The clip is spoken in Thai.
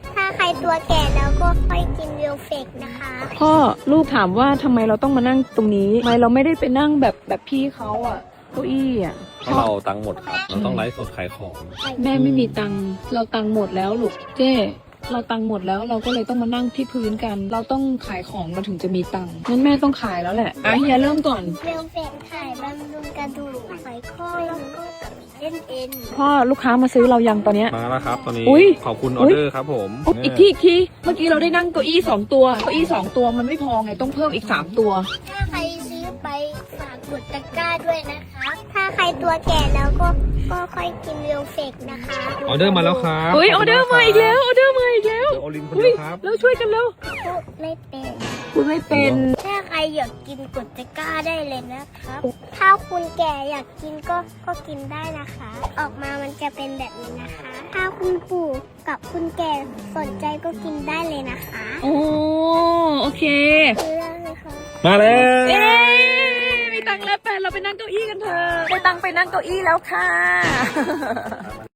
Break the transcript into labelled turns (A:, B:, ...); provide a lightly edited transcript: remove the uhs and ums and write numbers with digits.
A: ถ้าใครตัวแก่แล้วก็ค่อยกินเวลเฟกนะคะ
B: พ่อลูกถามว่าทำไมเราต้องมานั่งตรงนี้ทำไมเราไม่ได้ไปนั่งแบบพี่เขาอะเก้าอี้อะ
C: เพราะเราตังค์หมดครับเราต้องไลฟ์สดขายของ
B: แม่ไม่มีตังค์เราตังค์หมดแล้วลูกเจ้เราตังค์หมดแล้วเราก็เลยต้องมานั่งที่พื้นกัน เราต้องขายของเราถึงจะมีตังค์งั้นแม่ต้องขายแล้วแหละเฮียเริ่มก่อน
A: เวลเฟกถ่ายบำรุงกระดูกไขข้อแล้วก็กับเส้นเอ็น
B: พ่อลูกค้ามาซื้อเรายังตอนเนี้ย
C: มาแล้วครับตอนนี้
B: อุ๊ย
C: ขอบคุณออเดอร์ครับผม
B: อีกทีเมื่อกี้เราได้นั่งเก้าอี้2ตัวเก้าอี้2ตัวมันไม่พอไงต้องเพิ่มอีก3ตัว
A: ถ้าใครซื้อไปฝากกดตะกร้าด้วยนะคะ ถ้าใครตัวแก่แล้วก็ค่อยกินเวลเฟกนะคะ
C: ออเดอร์มาแล้วครับ
B: เฮ้ยออเดอร์มาอีกแล้วออเดอร์มาอีกแล้ว
C: เจอโอลินคนเดียวครับ
B: เราช่วยกันแล้ว
A: พูดไม่เป็น
B: คุณไม่เป็น
A: ถ้าใครอยากกินกดตะกร้าได้เลยนะครับ ถ้าคุณแก่อยากกินก็กินได้นะคะ ออกมามันจะเป็นแบบนี้นะคะ ถ้าคุณปู่กับคุณแก่สนใจก็กินได้เลยนะคะ
B: โอ้โอเค
A: ซื้อได้เลยค่ะ
C: มาแล้ว
B: เอ๊มีตังค์แล้วแฟนเราไปนั่งเก้าอี้กันเถอะได้ตังค์ไปนั่งเก้าอี้แล้วค่ะ